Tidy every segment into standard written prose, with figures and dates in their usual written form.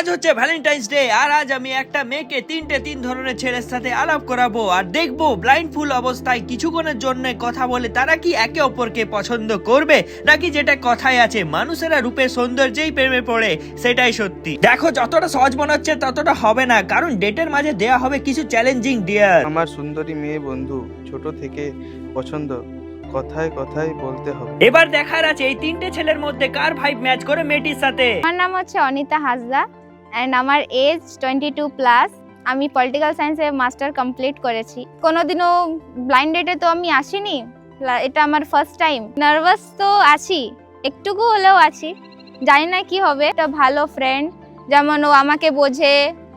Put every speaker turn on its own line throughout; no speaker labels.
হচ্ছে Valentine's day, আর আজ আমি একটা মেয়েকে তিন ধরনের ছেলের সাথে আলাপ করাবো আর দেখবো ব্লাইন্ড ফুল অবস্থায় কিছুক্ষণের জন্য কথা বলে তারা কি একে অপরকে পছন্দ করবে, নাকি যেটা কথায় আছে মানুষেরা রূপের সৌন্দর্যেই প্রেমে পড়ে সেটাই সত্যি। দেখো, যতটা সহজ মনে হচ্ছে ততটা হবে না, কারণ ডেটের মাঝে দেয়া হবে কিছু চ্যালেঞ্জিং ডিয়ার।
আমার সুন্দরী মেয়ে বন্ধু ছোট থেকে পছন্দ, কথায় কথায় বলতে হবে।
এবার দেখার আছে এই তিনটে ছেলের মধ্যে কার ভাইব ম্যাচ করে মেয়েটির সাথে।
আমার নাম হচ্ছে অনিতা হাসদা অ্যান্ড আমার এজ 22+। আমি পলিটিক্যাল সায়েন্সে মাস্টার কমপ্লিট করেছি। কোনোদিনও ব্লাইন্ড ডেটে তো আমি আসিনি, এটা আমার ফার্স্ট টাইম। নার্ভাস তো আছি, একটুকু হলেও আছি, জানি না কি হবে। একটা ভালো ফ্রেন্ড, যেমন ও আমাকে বোঝে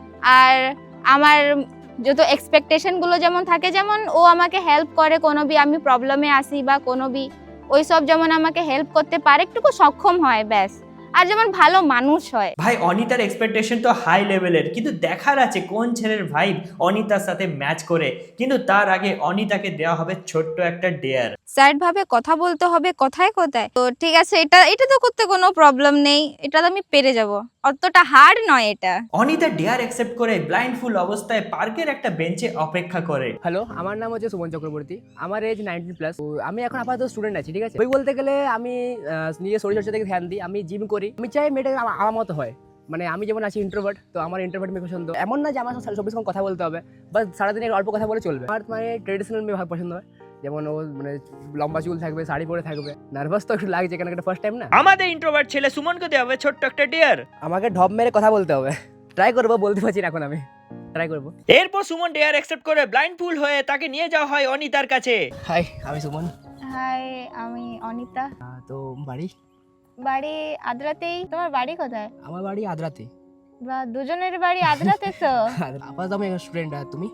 আর আমার যত এক্সপেকটেশনগুলো যেমন থাকে, যেমন ও আমাকে হেল্প করে কোনো বি আমি প্রবলেমে আসি বা কোনো বি ওই সব, যেমন আমাকে হেল্প করতে পারে, একটুকু সক্ষম হয় ব্যাস, আর যেমন ভালো মানুষ হয়।
ভাই অনিতার এক্সপেকটেশন তো হাই লেভেলের, কিন্তু দেখার আছে কোন ছেলের ভাইব অনিতার সাথে ম্যাচ করে। কিন্তু তার আগে অনিতাকে দেওয়া হবে ছোট্ট একটা ডেয়ার।
স্যাড ভাবে কথা বলতে হবে কথায় কথায়, তো ঠিক আছে, এটা তো করতে কোনো প্রবলেম নেই, এটা তো আমি পেরে যাব, অতটা হার্ড নয় এটা।
অনিতা ডেয়ার অ্যাকসেপ্ট করে ব্লাইন্ড ফুল অবস্থায় পার্কের একটা বেঞ্চে অপেক্ষা করে।
হ্যালো, আমার নাম হচ্ছে সুমন চক্রবর্তী, আমার এজ 19+। আমি এখন আপাতত স্টুডেন্ট আছি, ঠিক আছে। বই বলতে গেলে আমি নিজের শরীরচর্চা থেকে ধ্যান দিই, আমি জিম করি। আমি চাই মেয়েটা আমার মতো হয়, মানে আমি যেমন আছি ইন্ট্রোভার্ট, তো আমার ইন্ট্রোভার্ট মেয়ে পছন্দ। এমন না যে আমার সাথে 24 ঘন্টা কথা বলতে হবে, বা সারাদিন অল্প কথা বলে চলবে। আমার মানে ট্রেডিশনাল মেয়ে পছন্দ হয়, যেমন ও মানে লম্বা চুল থাকবে, শাড়ি পরে থাকবে। নার্ভাস তো একটু লাগছে, কেন একটা ফার্স্ট টাইম না।
আমাদের ইন্ট্রোভার্ট ছেলে সুমনকে দেওয়া হবে ছোট্ট একটা ডেয়ার।
আমাকে ঢপ মেরে কথা বলতে হবে, ট্রাই করবো, বলতে পারছি না এখন, আমি ট্রাই করবো।
এরপর সুমন ডেয়ার অ্যাকসেপ্ট করে ব্লাইন্ড ফুল হয়ে তাকে নিয়ে যাওয়া হয় অনিতার কাছে।
হাই, আমি সুমন।
হাই, আমি অনিতা।
তো বাড়ি
বাড়ি আদ্রাতেই। তোমার বাড়ি কোথায়?
আমার বাড়ি আদ্রাতে।
বা দুজনের বাড়ি আদ্রাতে তো।
আপাতত আমি স্টুডেন্ট। আর তুমি?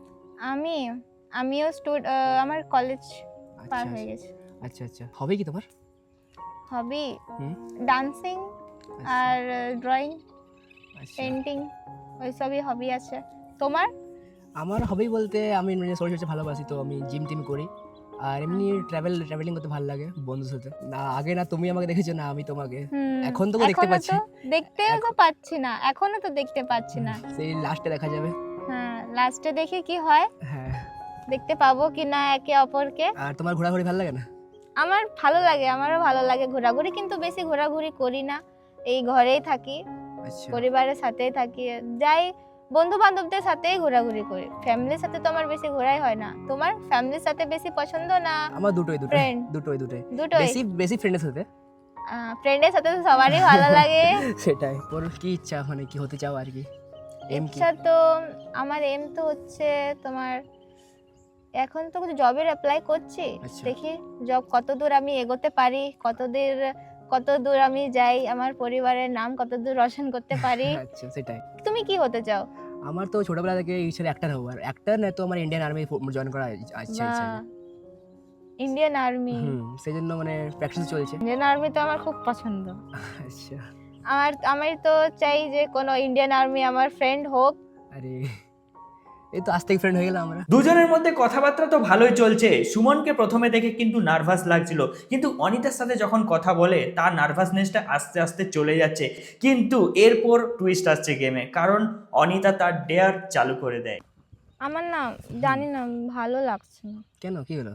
আমিও আমার কলেজ পার হয়ে গেছে।
আচ্ছা আচ্ছা, হবে কি তোমার
হবি? ডান্সিং আর ড্রয়িং, পেন্টিং, ওইসবই হবি আছে। তোমার?
আমার হবি বলতে আমি শরীরচর্চা ভালোবাসি, তো আমি জিম টিম করি, আর এমনি ট্রাভেলিং করতে ভালো লাগে বন্ধুর সাথে। না আগে না তুমি আমাকে দেখেছো, না আমি তোমাকে। এখন তো দেখতে পাচ্ছি,
দেখতেও তো পাচ্ছি না, এখনো তো দেখতে পাচ্ছি না।
সেই লাস্টে দেখা যাবে।
হ্যাঁ, লাস্টে দেখে কি হয়,
হ্যাঁ,
দেখতে পাবো কি না একে অপরকে।
আর তোমার ঘোরাঘুরি ভালো লাগে না?
আমার ভালো লাগে, আমারও ভালো লাগে ঘোরাঘুরি, কিন্তু বেশি ঘোরাঘুরি করি না, এই ঘরেই থাকি,
আচ্ছা,
পরিবারের সাথেই থাকি, যাই বন্ধু বান্ধবদের সাথেই ঘোরাঘুরি করি। ফ্যামিলির সাথে তো আমার বেশি ঘোরাই হয় না। তোমার ফ্যামিলির সাথে বেশি পছন্দ না?
আমার দুটোই
Friend?
দুটোই
দুটোই।
বেশি ফ্রেন্ডের সাথে।
ফ্রেন্ডের সাথে তো সবারই ভালো লাগে।
সেটাই। ওর কি ইচ্ছা, মানে কি হতে চাও আর কি? এম কি?
ইচ্ছা তো আমার এম তো হচ্ছে তোমার, এখন তো জবের অ্যাপ্লাই করছি,
আচ্ছা।
দেখি জব কতদূর আমি এগোতে পারি, কতদূর আমি যাই, আমার পরিবারের নাম কতদূর রোশন করতে পারি।
আচ্ছা, সেটাই।
তুমি কি হতে চাও?
আমার তো ছোটবেলা থেকে ইচ্ছা অ্যাক্টর হবো, আর অ্যাক্টর না তো আমার ইন্ডিয়ান আর্মি জয়েন করা ইচ্ছা আছে।
Indian army?
সেই জন্য মানে প্র্যাকটিস চলছে।
ইন্ডিয়ান আর্মি তো আমার খুব পছন্দ।
আচ্ছা,
আমি তো চাই যে কোনো ইন্ডিয়ান আর্মি আমার ফ্রেন্ড হোক।
আরে এই তো আজ থেকে ফ্রেন্ড হয়ে গেলাম আমরা।
দুজনের মধ্যে কথাবার্তা তো ভালোই চলছে। সুমনকে প্রথমে দেখে কিন্তু নার্ভাস লাগছিল, কিন্তু অনিতার সাথে যখন কথা বলে তার নার্ভাসনেসটা আস্তে আস্তে চলে যাচ্ছে। কিন্তু এরপর টুইস্ট আসছে গেমে, কারণ অনিতা তার ডেয়ার চালু করে দেয়।
আমার না জানি না, ভালো লাগছে না।
কেন, কি হলো?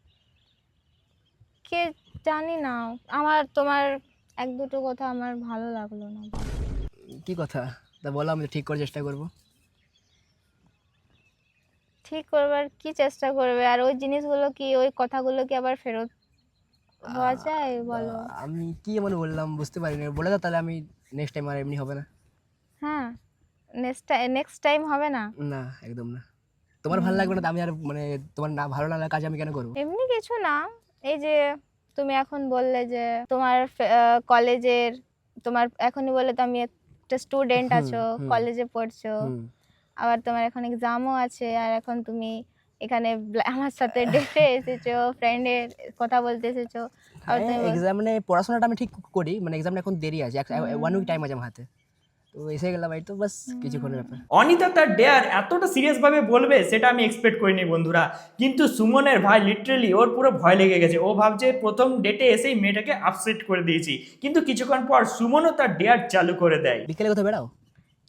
কে জানি না, আমার তোমার এক দুটো কথা আমার ভালো লাগলো না।
কি কথা তা বলো, আমি ঠিক করার চেষ্টা করবো।
ঠিক করবার কি চেষ্টা করবে, আর ওই জিনিসগুলো কি, ওই কথাগুলো কি আবার ফেরত হওয়া যায় বলো?
আমি কি এমন বললাম বুঝতে পারিনি, বলে দাও তাহলে, আমি নেক্সট টাইম আর এমনি হবে না।
হ্যাঁ, নেক্সট টাইম হবে না।
না, একদম না। তোমার ভালো লাগবে না তো আমি আর মানে তোমার না ভালো না লাগা কাজ আমি কেন করবো?
এমনি কিছু না, এই যে তুমি এখন বললে যে তোমার কলেজের, তোমার এখনই বললে তো আমি একটা স্টুডেন্ট আছো, কলেজে পড়ছো, আবার তোমার এখন এক্সামও আছে, আর এখন তুমি এখানে আমার সাথে ডেটে এসেছো, ফ্রেন্ডের কথা বলতে এসেছো। আর তুমি
এক্সাম মানে পড়াশোনাটা আমি ঠিক করি, মানে এক্সামটা এখন দেরি আছে, 1 উইক টাইম আছে আমার হাতে, তো এসে গেলাম, এই তো বাস কিছুক্ষণের ব্যাপার।
অনিতা তার ডেয়ার এতটা সিরিয়াস ভাবে বলবে সেটা আমি এক্সপেক্ট করিনি বন্ধুরা। কিন্তু সুমনের ভাই লিটারালি ওর পুরো ভয় লেগে গেছে। ও ভাবছে প্রথম ডেটে এসেই মেয়েটাকে আপসেট করে দিয়েছি, কিন্তু কিছুক্ষণ পর সুমনও তার ডেয়ার চালু করে দেয়।
বিকেলে কোথাও বেড়াও?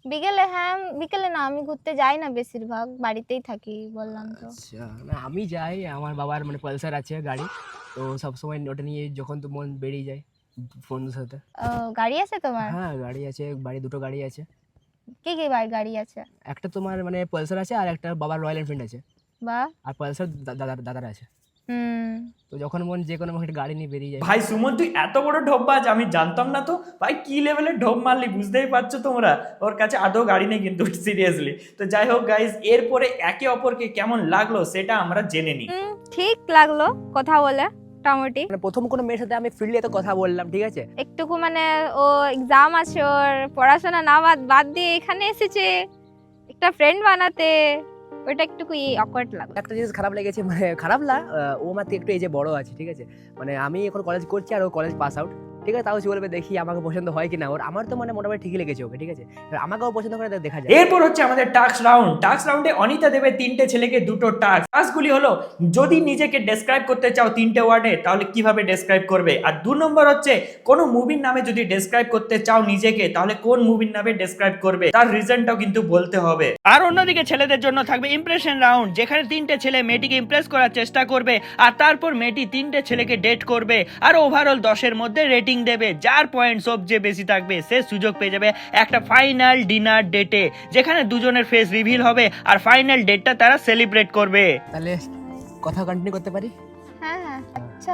বিকেলে, হ্যাঁ বিকেলে না, আমি ঘুরতে যাই না, বেশিরভাগ বাড়িতেই থাকি, বললাম তো।
আচ্ছা, না আমি যাই, আমার বাবার মানে পালসার আছে গাড়ি, তো সবসময় ওটা নিয়ে যখন তো মন বেরিয়ে যায় বন্ধুর সাথে।
গাড়ি আছে তোমার?
হ্যাঁ গাড়ি আছে, দুটো গাড়ি আছে।
কি কি গাড়ি আছে?
একটা তোমার মানে পালসার আছে, আর একটা বাবার রয়্যাল এনফিল্ড আছে,
বা
আর পালসার দাদার আছে।
হুম।
তো যখন মন যে কোনো একটা গাড়ি নিয়ে বেরিয়ে যায়।
ভাই সুমন, তুই এত বড় ঢোপবাজ, আমি জানতাম না তো ভাই। কি লেভেলের ঢোপ মারলি বুঝতেই পারছো তোমরা। ওর কাছে আদৌ গাড়ি নেই কিন্তু, সিরিয়াসলি। তো যাই হোক গাইজ, এরপরে একে অপরকে কেমন লাগলো সেটা আমরা জেনে নিই।
ঠিক লাগলো কথা বলে মোটামুটি।
মানে প্রথম কোনো মেয়ের সাথে আমি ফ্রিলি এত কথা বললাম, ঠিক আছে।
একটুকু মানে ও এক্সাম আছে, ওর পড়াশোনা না বাদ দিয়ে এখানে এসেছে একটা ফ্রেন্ড বানাতে, ওটা একটু অকওয়ার্ড লাগলো।
একটা জিনিস খারাপ লেগেছে, মানে খারাপ না, ও আমার থেকে একটু এজে বড় আছে, ঠিক আছে। মানে আমি এখন কলেজ করছি আর ও কলেজ পাস আউট, ঠিক আছে। তাও সে বলবে দেখি আমাকে পছন্দ হয় কিনা ওর। আমার তো মানে মোটামুটি ঠিকই লেগেছে ওকে, ঠিক আছে। এবার আমাকেও পছন্দ করে দেখা যায়।
এরপর হচ্ছে আমাদের টাস্ক রাউন্ড। টাস্ক রাউন্ডে অনিতা দেবে 3টে ছেলেকে 2টো টাস্ক। টাস্কগুলি হলো, যদি নিজেকে ডেসক্রাইব করতে চাও 3টে ওয়ার্ডে তাহলে কিভাবে ডেসক্রাইব করবে। আর 2 নম্বর হচ্ছে, কোনো মুভির নামে যদি ডেসক্রাইব করতে চাও নিজেকে তাহলে কোন মুভির নামে ডেসক্রাইব করবে, তার রিজনটাও কিন্তু বলতে হবে। আর অন্যদিকে ছেলেদের জন্য থাকবে ইমপ্রেশন রাউন্ড, যেখানে 3টে ছেলে মেয়েটিকে ইমপ্রেস করার চেষ্টা করবে, আর তারপর মেয়েটি 3টে ছেলেকে ডেট করবে, আর ওভারঅল 10-এর মধ্যে রেটিং দেবে। যার পয়েন্ট সবচেয়ে বেশি থাকবে সে সুযোগ পেয়ে যাবে একটা ফাইনাল ডিনার ডেটে, যেখানে দুজনের ফেস রিভিল হবে আর ফাইনাল ডেটটা তারা সেলিব্রেট করবে।
তাহলে কথা কন্টিনিউ করতে পারি?
হ্যাঁ হ্যাঁ। আচ্ছা,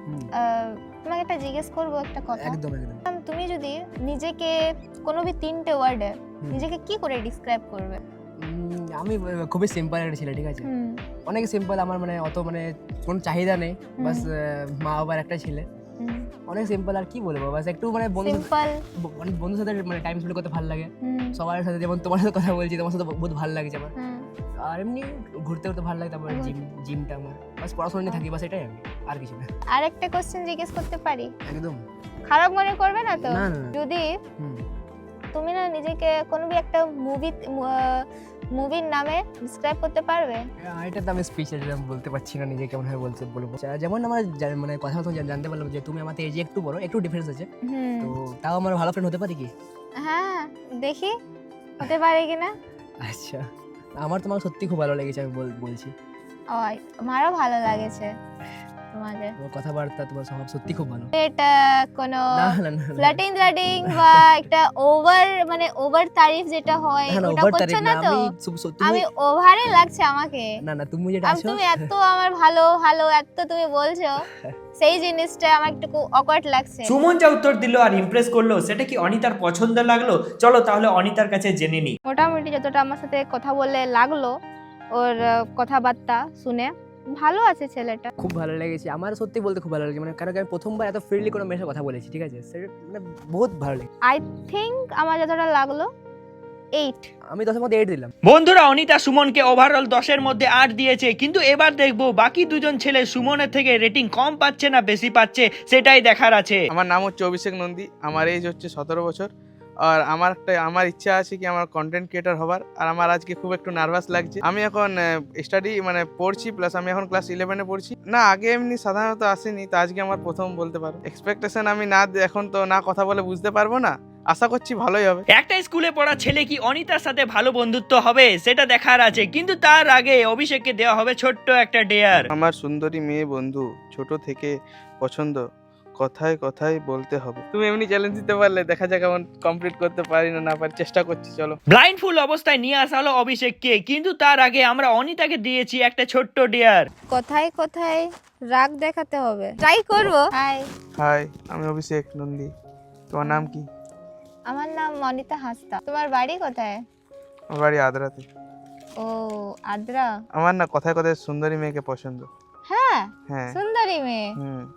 তোমাকে একটা জিজ্ঞেস করবো একটা কথা।
একদম।
তুমি যদি নিজেকে কোনো 3টে ওয়ার্ডে নিজেকে কি করে ডিসক্রাইব করবে?
আমি খুবই সিম্পল একটা ছেলে, ঠিক আছে। অনেক সিম্পল, আমার মানে অত মানে কোনো চাহিদা নেই, বাস মা বাবার একটা ছেলে, অনেক সিম্পল। আর কি বলবো, বাস একটু মানে বন্ধুর সাথে মানে টাইম স্পেন্ড করতে ভালো লাগে, সবার সাথে। যেমন তোমার সাথে কথা বলছি, তোমার সাথে বহুত ভালো লাগছে আমার। আর এমনি ঘুরতে ভালো লাগে। তারপর জিমটা আমার, বাস পড়াশোনা নিয়ে থাকি, বাস এটাই আমি, আর কিছু না।
আর একটা কোশ্চেন জিজ্ঞেস করতে পারি?
একদম।
খারাপ মনে করবে না তো?
না।
যদি তুমি না নিজেকে কোনো একটা মুভির নামে ডিসক্রাইব করতে পারবে?
এটা তো আমি স্পিচে বলতে পারছি না নিজে কেমন হয় বলবো। যেমন আমার মানে কথা তো জানতে পারলাম যে তুমি আমাদের এজে একটু বড়, একটু ডিফারেন্স আছে, তো তাও আমার ভালো ফ্রেন্ড হতে পারে কি?
হ্যাঁ দেখি হতে পারে কিনা।
আচ্ছা, আমার তোমাকে সত্যি খুব ভালো লেগেছে, আমি বলছি।
আমারও ভালো লাগেছে তোমাদের
কথাবার্তা, তোমার স্বভাব সত্যি খুব ভালো।
এটা কোনো
না
ফ্লাটিং বা একটা ওভার তারিফ যেটা হয় ওটা করছো না তো? আমি ওভারে লাগছে আমাকে?
না তুমি যেটা আছো,
তুমি এত আমার ভালো এত তুমি বলছো, সেই জিনিসটা আমার একটু অকওয়ার্ড লাগছে।
সুমন যা উত্তর দিল আর ইমপ্রেস করলো, সেটা কি অনিতার পছন্দ লাগলো? চলো তাহলে অনিতার কাছে জেনে নিই।
মোটামুটি যতটা আমার সাথে কথা বলে লাগলো, ওর কথাবার্তা শুনে ভালো আছে ছেলেটা।
খুব ভালো লেগেছে আমার, সত্যি বলতে খুব ভালো লেগেছে। মানে কারণ আমি প্রথমবার এত ফ্রিলি কোনো মেয়ের সাথে কথা বলেছি, ঠিক আছে। সেটা মানে বহুত ভালো লেগেছে।
আই থিংক আমার যতটা লাগলো 8।
আমি 10-এর মধ্যে 8 দিলাম।
বন্ধুরা, অনিতা সুমনকে ওভারঅল 10-এর মধ্যে 8 দিয়েছে, কিন্তু এবার দেখবো বাকি দুজন ছেলে সুমনের থেকে রেটিং কম পাচ্ছে না বেশি পাচ্ছে, সেটাই দেখার আছে।
আমার নাম হচ্ছে অভিষেক নন্দী, আমার এজ হচ্ছে 17 বছর। আর আমার ইচ্ছা আছে কি আমার কন্টেন্ট ক্রিয়েটর হবার। আর আমার আজকে খুব একটু নার্ভাস লাগছে। আমি এখন স্টাডি মানে পড়ছি, প্লাস আমি এখন ক্লাস 11-এ পড়ছি। না আগে এমনি সাধারণত আসেনি, তো আজকে আমার প্রথম বলতে পারো। এক্সপেকটেশন আমি এখন তো না কথা বলে বুঝতে পারবো না, আশা করছি ভালোই হবে।
একটা স্কুলে পড়া ছেলে কি অনিতার সাথে ভালো বন্ধুত্ব হবে সেটা দেখার আছে, কিন্তু তার আগে অভিষেককে দেওয়া হবে ছোট্ট একটা ডেয়ার।
আমার সুন্দরী মেয়ে বন্ধু, ছোট থেকে পছন্দ, কথায় কথায় বলতে হবে। তুমি এমনি চ্যালেঞ্জ দিতে পারলে দেখা যাক কেমন কমপ্লিট করতে পারি না পারি, চেষ্টা করছি। চলো।
ব্লাইন্ড ফুল অবস্থায় নিয়ে আসা হলো অভিষেককে, কিন্তু তার আগে আমরা অনিতাকে দিয়েছি একটা ছোট্ট ডেয়ার।
কোথায় কোথায় রাগ দেখাতে হবে, ট্রাই করব।
হাই, আমি অভিষেক নন্দী। তোমার নাম কি?
আমার নাম অনিতা হাসদা। তোমার বাড়ি কোথায়?
আমার বাড়ি আদ্রাতে।
ও আদ্রা।
আমার না কথায় কথায় সুন্দরী মেয়েকে পছন্দ।
হ্যাঁ
হ্যাঁ।
সুন্দরী মেয়ে?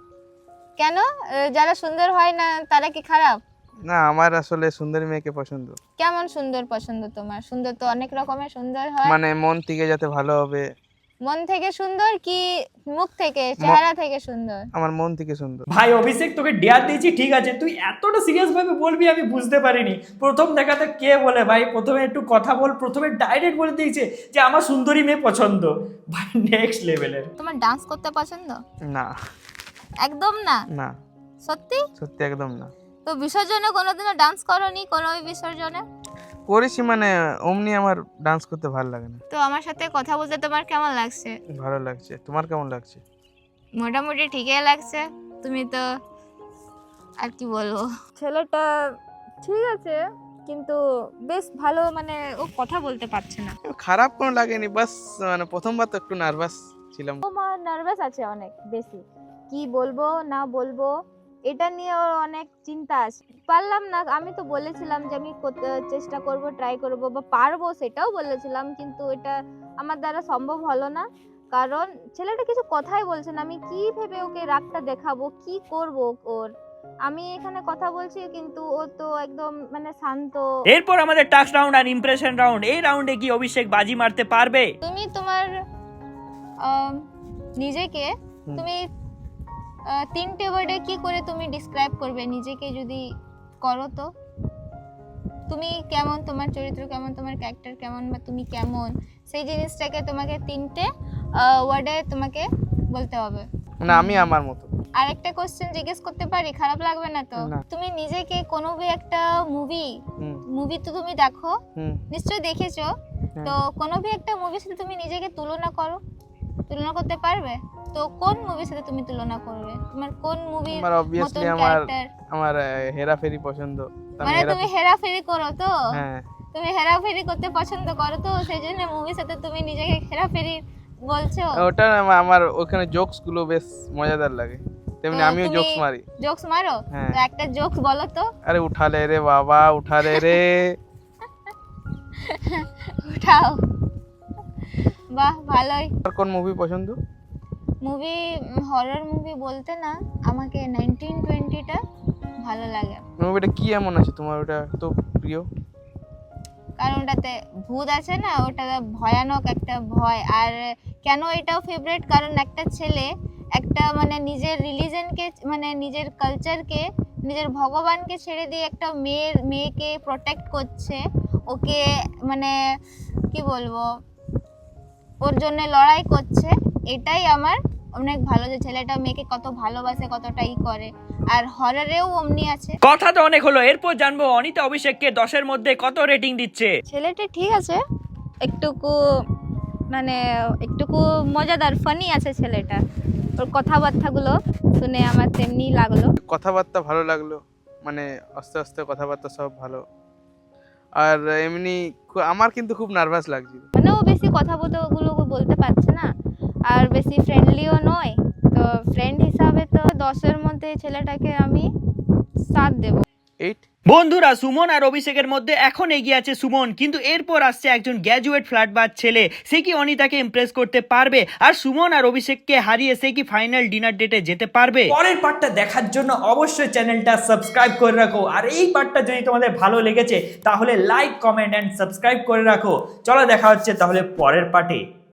কেন? যারা সুন্দর হয় না তারা কি খারাপ?
না, আমার আসলে সুন্দরী মেয়েকে পছন্দ।
কেমন সুন্দর পছন্দ তোমার? সুন্দর তো অনেক রকমের সুন্দর হয়।
মানে মন থেকে যাতে ভালো হবে।
মন থেকে সুন্দর কি মুখ থেকে, চেহারা থেকে সুন্দর?
আমার মন থেকে সুন্দর।
ভাই অভিষেক, তোকে ডেয়ার দিয়েছি ঠিক আছে, তুই এতটা সিরিয়াস ভাবে বলবি আমি বুঝতে পারিনি। প্রথম দেখাতে কে বলে ভাই প্রথমে একটু কথা বল, প্রথমে ডাইরেক্ট বলে দিয়েছে যে আমার সুন্দরী মেয়ে পছন্দ। ভাই নেক্সট লেভেলের।
তোমার ডান্স করতে পছন্দ?
না
একদম না?
না
সত্যি?
সত্যি একদম না।
তো বিসর্জনে কোনোদিনও ডান্স করোনি? কোনো বিসর্জনে?
করেছি মানে অমনি আমার ডান্স করতে ভালো লাগে না।
তো আমার সাথে কথা বলতে তোমার কেমন লাগছে?
ভালো লাগছে, তোমার কেমন লাগছে?
মোটামুটি ঠিকই লাগছে। তুমি তো আর কি বলবো, ছেলেটা ঠিক আছে কিন্তু বেশ ভালো, মানে ও কথা বলতে পারছে না।
খারাপ কোনো লাগেনি, বাস মানে প্রথমবার তো একটু নার্ভাস ছিলাম।
ও মা নার্ভাস আছে অনেক বেশি, কি বলবো না বলবো এটা নিয়ে ওর অনেক চিন্তা আছে। পারলাম না, আমি তো বলেছিলাম যে আমি চেষ্টা করব, ট্রাই করব বা পারবো, সেটাও বলেছিলাম, কিন্তু এটা আমার দ্বারা সম্ভব হলো না। কারণ ছেলেটা কিছু কথাই বলছে না, আমি কি ভেবে ওকে রাগটা দেখাবো, কি করব ওর। আমি এখানে কথা বলছি কিন্তু ও তো একদম মানে শান্ত।
এরপর আমাদের টাস্ক রাউন্ড আর ইমপ্রেশন রাউন্ড। এই রাউন্ডে কি অভিষেক বাজি মারতে পারবে?
তুমি তোমার নিজেকে তুমি 3টে ওয়ার্ডে কি করে তুমি ডিসক্রাইব করবে নিজেকে, যদি করো তো? তুমি কেমন, তোমার চরিত্র কেমন, তোমার ক্যারেক্টার কেমন, বা তুমি কেমন, সেই জিনিসটাকে তোমাকে 3টে ওয়ার্ডে তোমাকে বলতে হবে।
মানে আমি আমার মতো।
আর একটা কোশ্চেন জিজ্ঞেস করতে পারি? খারাপ লাগবে না তো?
না।
তুমি নিজেকে কোনো একটা মুভি তো তুমি দেখো,
হুম।
নিশ্চয়ই দেখেছো, তো কোনো একটা মুভির সাথে তুমি নিজেকে তুলনা করতে পারবে? তো কোন মুভির সাথে তুমি তুলনা করবে? তোমার কোন মুভির
আমার অবভিয়াসলি আমার হেরাফেরি পছন্দ।
মানে তুমি হেরাফেরি করো তো?
হ্যাঁ।
তুমি হেরাফেরি করতে পছন্দ করো তো, সেই জন্য মুভির সাথে তুমি নিজেকে হেরাফেরি বলছো?
ওটা আমার ওখানে জোকস গুলো বেশ মজাদার লাগে, তেমনি
তো
আমিও
তুমি
জোকস মারি।
জোকস মারো?
হ্যাঁ।
তো একটা জোকস বলো তো।
আরে উঠালে রে বাবা, উঠালে রে।
উঠাও। বাহ, ভালোই।
আর কোন মুভি পছন্দ?
মুভি হরর মুভি বলতে না, আমাকে 1920টা ভালো লাগে।
মুভিটা কি এমন আছে তোমার ওটা তো প্রিয়?
কারণ ওটাতে ভূত আছে না, ওটা ভয়ানক একটা ভয়। আর কেন এটাও ফেভারিট, কারণ একটা ছেলে একটা মানে নিজের রিলিজনকে, মানে নিজের কালচারকে, নিজের ভগবানকে ছেড়ে দিয়ে একটা মেয়েকে প্রোটেক্ট করছে, ওকে মানে কি বলবো, ওর জন্য লড়াই করছে। এটাই আমার অনেক ভালো, যে ছেলেটা মেয়েকে কত ভালোবাসে, কতটাই করে। আর হররেও অমনি আছে।
কথা তো অনেক হলো, এরপর জানবো অনিতা অভিষেককে 10-এর মধ্যে কত রেটিং দিচ্ছে।
ছেলেটা ঠিক আছে, একটুকু মানে একটুকু মজাদার, ফানি আছে ছেলেটা। ওর কথাবার্তাগুলো শুনে আমার তেমনি লাগলো।
কথাবার্তা ভালো লাগলো, মানে আস্তে আস্তে কথাবার্তা সব ভালো। আর এমনি আমার কিন্তু খুব নার্ভাস লাগছিল,
মানে ও বেশি কথাগুলো বলতে পারছে না, আর বেশি ফ্রেন্ডলিও নয়। তো ফ্রেন্ড হিসাবে তো 10-এর মধ্যে ছেলেটাকে আমি 7 দেবো।
8।
বন্ধুরা, সুমন আর অভিষেকের মধ্যে এখন এগিয়ে আছে সুমন, কিন্তু এরপর আসছে একজন গ্র্যাজুয়েট ফ্ল্যাটবাজ ছেলে। সে কি অনিতাকে ইমপ্রেস করতে পারবে? আর সুমন আর অভিষেককে হারিয়ে সে কি ফাইনাল ডিনার ডেটে যেতে পারবে? পরের পার্টটা দেখার জন্য অবশ্যই চ্যানেলটা সাবস্ক্রাইব করে রাখো। আর এই পার্টটা যদি তোমাদের ভালো লেগেছে তাহলে লাইক, কমেন্ট এন্ড সাবস্ক্রাইব করে রাখো। চলো দেখা হচ্ছে তাহলে পরের পার্টে।